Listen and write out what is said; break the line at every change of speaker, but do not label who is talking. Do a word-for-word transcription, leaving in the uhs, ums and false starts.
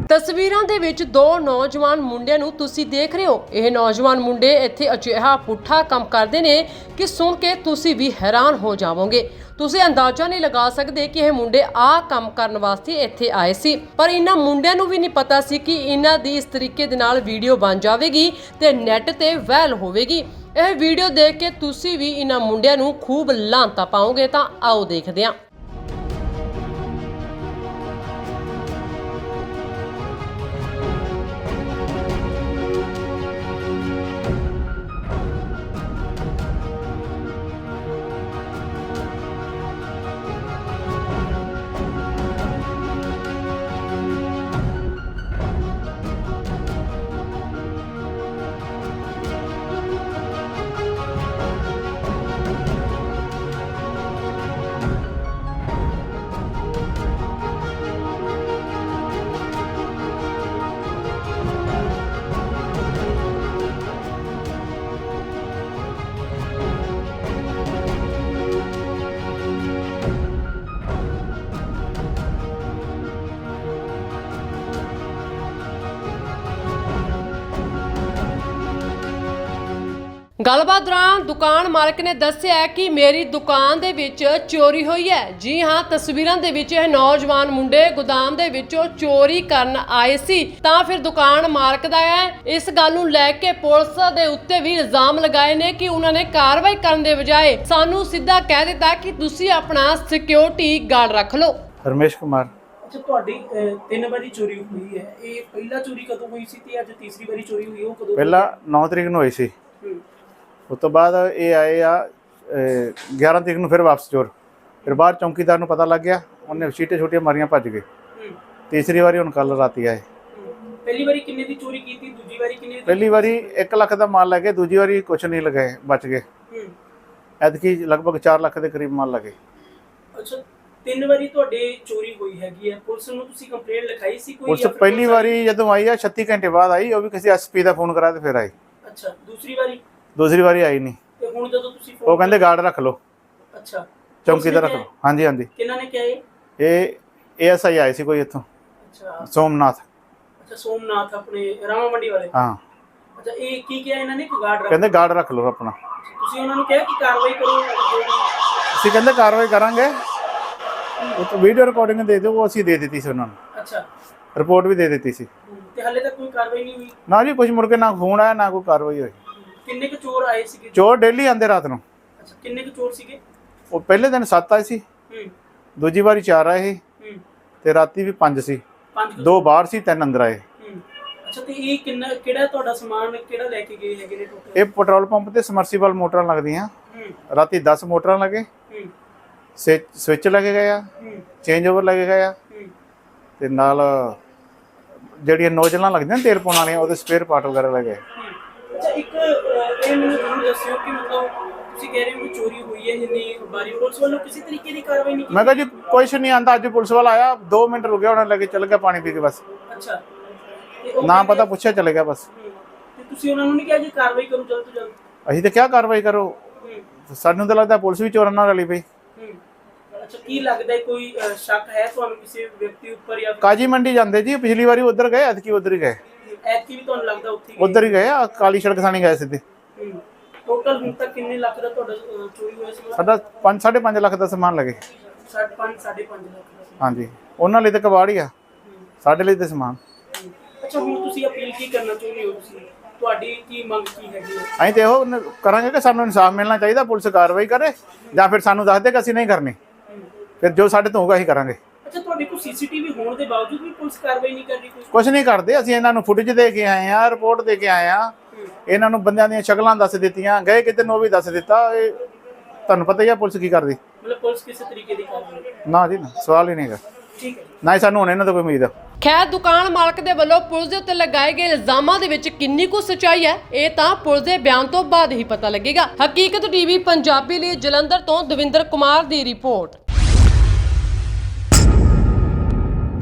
ਤਸਵੀਰਾਂ ਦੇ ਵਿੱਚ ਦੋ ਨੌਜਵਾਨ ਮੁੰਡਿਆਂ ਨੂੰ ਤੁਸੀਂ ਦੇਖ ਰਹੇ ਹੋ। ਇਹ ਨੌਜਵਾਨ ਮੁੰਡੇ ਇੱਥੇ ਅਜਿਹਾ ਪੁੱਠਾ ਕੰਮ ਕਰਦੇ ਨੇ ਕਿ ਸੁਣ ਕੇ ਤੁਸੀਂ ਵੀ ਹੈਰਾਨ ਹੋ ਜਾਵੋਗੇ। ਤੁਸੀਂ ਅੰਦਾਜ਼ਾ ਨਹੀਂ ਲਗਾ ਸਕਦੇ ਕਿ ਇਹ ਮੁੰਡੇ ਆਹ ਕੰਮ ਕਰਨ ਵਾਸਤੇ ਇੱਥੇ ਆਏ ਸੀ, ਪਰ ਇਹਨਾਂ ਮੁੰਡਿਆਂ ਨੂੰ ਵੀ ਨਹੀਂ ਪਤਾ ਸੀ ਕਿ ਇਹਨਾਂ ਦੀ ਇਸ ਤਰੀਕੇ ਦੇ ਨਾਲ ਵੀਡੀਓ ਬਣ ਜਾਵੇਗੀ ਤੇ ਨੈੱਟ ਤੇ ਵਾਇਰਲ ਹੋਵੇਗੀ। ਇਹ ਵੀਡੀਓ ਦੇਖ ਕੇ ਤੁਸੀਂ ਵੀ ਇਹਨਾਂ ਮੁੰਡਿਆਂ ਨੂੰ ਖੂਬ ਲਾਂਤਾ ਪਾਓਗੇ। ਤਾਂ ਆਓ ਦੇਖਦੇ ਹਾਂ। ਗੱਲਬਾਤ ਦੌਰਾਨ ਦੁਕਾਨ ਮਾਲਕ ਨੇ ਦੱਸਿਆ ਕਿ ਮੇਰੀ ਦੁਕਾਨ ਦੇ ਵਿੱਚ ਚੋਰੀ ਹੋਈ ਹੈ। ਜੀ ਹਾਂ, ਤਸਵੀਰਾਂ ਦੇ ਵਿੱਚ ਇਹ ਨੌਜਵਾਨ ਮੁੰਡੇ ਗੋਦਾਮ ਦੇ ਵਿੱਚੋਂ ਚੋਰੀ ਕਰਨ ਆਏ ਸੀ। ਤਾਂ ਫਿਰ ਦੁਕਾਨ ਮਾਲਕ ਦਾ ਹੈ ਇਸ ਗੱਲ ਨੂੰ ਲੈ ਕੇ ਪੁਲਿਸ ਦੇ ਉੱਤੇ ਵੀ ਇਲਜ਼ਾਮ ਲਗਾਏ ਨੇ ਕਿ ਉਹਨਾਂ ਨੇ ਕਾਰਵਾਈ ਕਰਨ ਦੇ ਬਜਾਏ ਸਾਨੂੰ ਸਿੱਧਾ ਕਹਿ ਦਿੱਤਾ ਕਿ ਤੁਸੀਂ ਆਪਣਾ ਸਿਕਿਉਰਿਟੀ ਗਾਰਡ ਰੱਖ ਲਓ।
ਰਮੇਸ਼ ਕੁਮਾਰ।
ਅੱਛਾ, ਤੁਹਾਡੀ ਤਿੰਨ ਵਾਰੀ ਚੋਰੀ ਹੋਈ ਹੈ। ਇਹ ਪਹਿਲਾ ਚੋਰੀ ਕਦੋਂ ਹੋਈ ਸੀ ਤੇ ਅੱਜ ਤੀਸਰੀ ਵਾਰੀ ਚੋਰੀ ਹੋਈ ਉਹ ਕਦੋਂ?
ਪਹਿਲਾ ਨੌ ਤਰੀਕ ਨੂੰ ਹੋਈ ਸੀ। ਉਸ ਤੋਂ ਬਾਅਦ ਇਹ ਆਏ ਆ ਗਿਆਰਾਂ ਤਰੀਕ ਨੂੰ ਫਿਰ ਵਾਪਸ ਚੋਰ। ਫਿਰ ਬਾਹਰ ਚੌਂਕੀਦਾਰ ਨੂੰ ਪਤਾ ਲੱਗ ਗਿਆ, ਉਹਨੇ ਛੀਟੇ ਛੋਟੀਆਂ ਮਾਰੀਆਂ, ਭੱਜ ਗਏ। ਤੀਸਰੀ ਵਾਰੀ ਹੁਣ ਕੱਲ ਰਾਤੀ ਆਏ।
ਪਹਿਲੀ ਵਾਰੀ ਕਿੰਨੇ ਦੀ ਚੋਰੀ ਕੀਤੀ? ਦੂਜੀ ਵਾਰੀ ਕਿੰਨੇ ਦੀ?
ਪਹਿਲੀ ਵਾਰੀ ਇੱਕ ਲੱਖ ਦਾ ਮਾਲ ਲੈ ਗਏ, ਦੂਜੀ ਵਾਰੀ ਕੁਛ ਨਹੀਂ ਲਗਾਏ, ਬਚ ਗਏ। ਐਤਕੀ ਲਗਭਗ ਚਾਰ ਲੱਖ ਦੇ ਕਰੀਬ ਮਾਲ ਲੱਗੇ।
ਅੱਛਾ, ਤਿੰਨ ਵਾਰੀ ਤੁਹਾਡੇ ਚੋਰੀ ਹੋਈ ਹੈਗੀ ਹੈ। ਪੁਲਿਸ ਨੂੰ ਤੁਸੀਂ ਕੰਪਲੇਂਟ ਲਿਖਾਈ ਸੀ ਕੋਈ?
ਪੁਲਿਸ ਪਹਿਲੀ ਵਾਰੀ ਜਦੋਂ ਆਈ ਆ ਛੱਤੀ ਘੰਟੇ ਬਾਅਦ ਆਈ, ਉਹ ਵੀ ਕਿਸੇ ਐਸਪੀ ਦਾ ਫੋਨ ਕਰਾ ਤੇ ਫਿਰ ਆਈ।
ਅੱਛਾ, ਦੂਸਰੀ ਵਾਰੀ?
ਦੂਸਰੀ ਵਾਰੀ ਆਈ ਨਹੀਂ।
ਤੇ ਹੁਣ ਜਦੋਂ ਤੁਸੀਂ
ਉਹ ਕਹਿੰਦੇ ਗਾਰਡ ਰੱਖ ਲਓ।
ਅੱਛਾ,
ਚੌਂਕੀਦਾਰ ਰੱਖ ਲਓ। ਹਾਂਜੀ ਹਾਂਜੀ।
ਕਿਹਨਾਂ ਨੇ ਕਿਹਾ ਇਹ?
ਇਹ ਏਐਸਆਈ ਆਏ ਸੀ ਕੋਈ ਇੱਥੋਂ,
ਅੱਛਾ
ਸੋਮਨਾਥ।
ਅੱਛਾ, ਸੋਮਨਾਥ ਆਪਣੇ ਰਾਮਾ ਮੰਡੀ ਵਾਲੇ?
ਹਾਂ। ਅੱਛਾ,
ਇਹ ਕੀ ਕਿਹਾ ਇਹਨਾਂ ਨੇ ਕਿ ਗਾਰਡ ਰੱਖ?
ਕਹਿੰਦੇ ਗਾਰਡ ਰੱਖ ਲਓ ਆਪਣਾ।
ਤੁਸੀਂ ਉਹਨਾਂ ਨੂੰ ਕਿਹਾ ਕਿ ਕਾਰਵਾਈ ਕਰੋ?
ਅਸੀਂ ਕਹਿੰਦੇ ਕਾਰਵਾਈ ਕਰਾਂਗੇ। ਉਹ ਤਾਂ ਵੀਡੀਓ ਰਿਕਾਰਡਿੰਗ ਦੇ ਦਿਓ, ਉਹ ਅਸੀਂ ਦੇ ਦਿੱਤੀ ਸੀ ਉਹਨਾਂ ਨੂੰ।
ਅੱਛਾ,
ਰਿਪੋਰਟ ਵੀ ਦੇ ਦਿੱਤੀ ਸੀ।
ਤੇ ਹਾਲੇ ਤੱਕ ਕੋਈ ਕਾਰਵਾਈ ਨਹੀਂ ਹੋਈ?
ਨਾ ਜੀ, ਕੁਝ ਮੁੜ ਕੇ ਨਾ ਫੋਨ ਆਇਆ ਨਾ ਕੋਈ ਕਾਰਵਾਈ ਹੋਈ।
ਕਿੰਨੇ ਕੁ ਚੋਰ ਆਏ ਸੀਗੇ?
ਚੋਰ ਡੇਲੀ ਆਉਂਦੇ ਰਾਤ ਨੂੰ।
ਅੱਛਾ, ਕਿੰਨੇ ਕੁ ਚੋਰ ਸੀਗੇ? ਉਹ
ਪਹਿਲੇ ਦਿਨ ਸੱਤ ਆਏ ਸੀ, ਦੂਜੀ ਵਾਰੀ ਚਾਰ ਆਏ ਤੇ ਰਾਤੀ ਵੀ ਪੰਜ ਸੀ। ਦੋ ਬਾਹਰ ਸੀ, ਤਿੰਨ ਅੰਦਰ ਆਏ।
ਅੱਛਾ, ਤੇ ਇਹ ਕਿੰਨਾ ਕਿਹੜਾ ਤੁਹਾਡਾ ਸਮਾਨ ਕਿਹੜਾ ਲੈ ਕੇ ਗਏ ਹੈਗੇ ਨੇ ਟੋਟਲ?
ਇਹ ਪੈਟਰੋਲ ਪੰਪ ਤੇ ਸਮਰਸੀਬਲ ਮੋਟਰਾਂ ਲੱਗਦੀਆਂ। ਰਾਤੀ ਦਸ ਮੋਟਰਾਂ ਲੱਗੇ, ਸਵਿਚ ਲੱਗੇ ਗਏ ਆ, ਚੇਂਜ ਓਵਰ ਲੱਗੇ ਗਏ ਆ, ਤੇ ਨਾਲ ਜਿਹੜੀਆਂ ਨੋਜ਼ਲਾਂ ਲੱਗਦੀਆਂ ਤੇਲ ਪਾਉਣ ਵਾਲੀਆਂ ਉਹਦੇ ਸਪੇਅਰ ਪਾਰਟ ਵਗੈਰਾ ਲੱਗੇ।
ਅੱਛਾ, ਇੱਕ ਇਹ ਮੈਨੂੰ ਜ਼ਰੂਰ ਦੱਸਿਓ ਕਿ ਮਤਲਬ ਤੁਸੀਂ ਕਹਿ ਰਹੇ ਹੋ ਕਿ ਚੋਰੀ ਹੋਈ ਹੈ ਜਿੰਨੀ ਬਾਰੀ, ਪੁਲਿਸ ਵੱਲੋਂ ਕਿਸੇ ਤਰੀਕੇ ਦੀ ਕਾਰਵਾਈ ਨਹੀਂ ਕੀਤੀ?
ਮੈਂ ਕਿਹਾ ਜੀ ਕੁਛ ਨਹੀਂ ਆਂਦਾ। ਅੱਜ ਪੁਲਿਸ ਵਾਲਾ ਆਇਆ, ਦੋ ਮਿੰਟ ਰੁਕਿਆ, ਉਹਨਾਂ ਲੱਗੇ ਚੱਲ ਗਿਆ ਪਾਣੀ ਪੀ ਕੇ ਬਸ।
ਅੱਛਾ,
ਨਾ ਪਤਾ ਪੁੱਛਿਆ ਚਲੇ ਗਿਆ ਬਸ।
ਤੇ ਤੁਸੀਂ ਉਹਨਾਂ ਨੂੰ ਨਹੀਂ ਕਿਹਾ ਜੀ ਕਾਰਵਾਈ ਕਰੋ ਜਲਦ ਤੋਂ ਜਲਦ?
ਅਸੀਂ ਤਾਂ ਕਿਆ ਕਾਰਵਾਈ ਕਰੋ, ਸਾਨੂੰ ਤਾਂ ਲੱਗਦਾ ਪੁਲਿਸ ਵੀ ਚੋਰਾਂ ਨਾਲ ਰਲੀ ਪਈ।
ਅੱਛਾ, ਕੀ ਲੱਗਦਾ ਕੋਈ ਸ਼ੱਕ ਹੈ ਤੁਹਾਨੂੰ ਕਿਸੇ ਵਿਅਕਤੀ ਉੱਪਰ ਜਾਂ?
ਕਾਜੀ ਮੰਡੀ ਜਾਂਦੇ ਜੀ, ਪਿਛਲੀ ਵਾਰੀ ਉਧਰ ਗਏ, ਐਤਕੀ ਉਧਰ ਹੀ ਗਏ।
ਐਤਕੀ ਵੀ ਤੁਹਾਨੂੰ ਲੱਗਦਾ ਉੱਥੇ
ਉਧਰ ਹੀ ਗਏ ਆ, ਕਾਲੀ ਸੜਕ ਥਾਣੀ ਗਏ ਸਿੱਧੇ।
ਟੋਟਲ ਹੁਣ ਤੱਕ ਕਿੰਨੇ ਲੱਖ ਦਾ ਤੁਹਾਡਾ ਚੋਰੀ ਹੋਇਆ ਸੀ?
ਸਾਡਾ ਪੰਜ ਸਾਢੇ ਪੰਜ ਲੱਖ ਦਾ ਸਮਾਨ ਲੱਗੇ।
ਪੰਜ ਸਾਢੇ ਪੰਜ ਲੱਖ ਦਾ?
ਹਾਂਜੀ, ਉਹਨਾਂ ਲਈ ਤਾਂ ਕਬਾੜ ਹੀ ਆ, ਸਾਡੇ ਲਈ ਤਾਂ ਸਮਾਨ।
ਅੱਛਾ, ਹੁਣ ਤੁਸੀਂ ਅਪੀਲ ਕੀ ਕਰਨਾ ਚਾਹੁੰਦੇ ਹੋ? ਤੁਸੀਂ ਤੁਹਾਡੀ ਕੀ ਮੰਗ ਕੀ ਹੈਗੀ ਹੈ?
ਅਸੀਂ ਤੇ ਇਹੋ ਕਰਾਂਗੇ ਕਿ ਸਾਨੂੰ ਇਨਸਾਫ ਮਿਲਣਾ ਚਾਹੀਦਾ, ਪੁਲਿਸ ਕਾਰਵਾਈ ਕਰੇ ਜਾਂ ਫਿਰ ਸਾਨੂੰ ਦੱਸ ਦੇ ਕਿ ਅਸੀਂ ਨਹੀਂ ਕਰਨੀ, ਫਿਰ ਜੋ ਸਾਡੇ ਤੋਂ ਹੋਊਗਾ ਅਸੀਂ ਕਰਾਂਗੇ।
ਅੱਛਾ, ਤੁਹਾਡੇ ਕੋਲ ਸੀਸੀਟੀਵੀ ਹੋਣ ਦੇ ਬਾਵਜੂਦ ਵੀ ਪੁਲਿਸ ਕਾਰਵਾਈ ਨਹੀਂ ਕਰ ਰਹੀ?
ਕੁਛ ਨਹੀਂ ਕਰਦੇ। ਅਸੀਂ ਇਹਨਾਂ ਨੂੰ ਫੁਟੇਜ ਦੇ ਕੇ ਆਏ ਆ, ਰਿਪੋਰਟ ਦੇ ਕੇ ਆਏ ਆ, ਇਹਨਾਂ ਨੂੰ ਬੰਦਿਆਂ ਦੀਆਂ ਸ਼ਕਲਾਂ ਦੱਸ ਦਿੱਤੀਆਂ, ਗਏ ਕਿਤੇ ਨੂੰ ਵੀ ਦੱਸ ਦਿੱਤਾ। ਇਹ ਤੁਹਾਨੂੰ ਪਤਾ ਹੀ ਆ ਪੁਲਿਸ ਕੀ ਕਰਦੀ।
ਮਤਲਬ ਪੁਲਿਸ ਕਿਸੇ ਤਰੀਕੇ ਦੀ ਕਾਰਵਾਈ?
ਨਾ ਜੀ ਨਾ, ਸਵਾਲ ਹੀ ਨਹੀਂਗਾ।
ਠੀਕ ਹੈ,
ਨਾ ਹੀ ਸਾਨੂੰ ਹੁਣ ਇਹਨਾਂ ਤੋਂ ਕੋਈ ਉਮੀਦ ਆ।
ਖੈਰ, ਦੁਕਾਨ ਮਾਲਕ ਦੇ ਵੱਲੋਂ ਪੁਲਿਸ ਦੇ ਉੱਤੇ ਲਗਾਏ ਗਏ ਇਲਜ਼ਾਮਾਂ ਦੇ ਵਿੱਚ ਕਿੰਨੀ ਕੁ ਸੱਚਾਈ ਹੈ, ਇਹ ਤਾਂ ਪੁਲਿਸ ਦੇ ਬਿਆਨ ਤੋਂ ਬਾਅਦ ਹੀ ਪਤਾ ਲੱਗੇਗਾ। ਹਕੀਕਤ ਟੀਵੀ ਪੰਜਾਬੀ ਲਈ ਜਲੰਧਰ ਤੋਂ ਦਵਿੰਦਰ ਕੁਮਾਰ ਦੀ ਰਿਪੋਰਟ।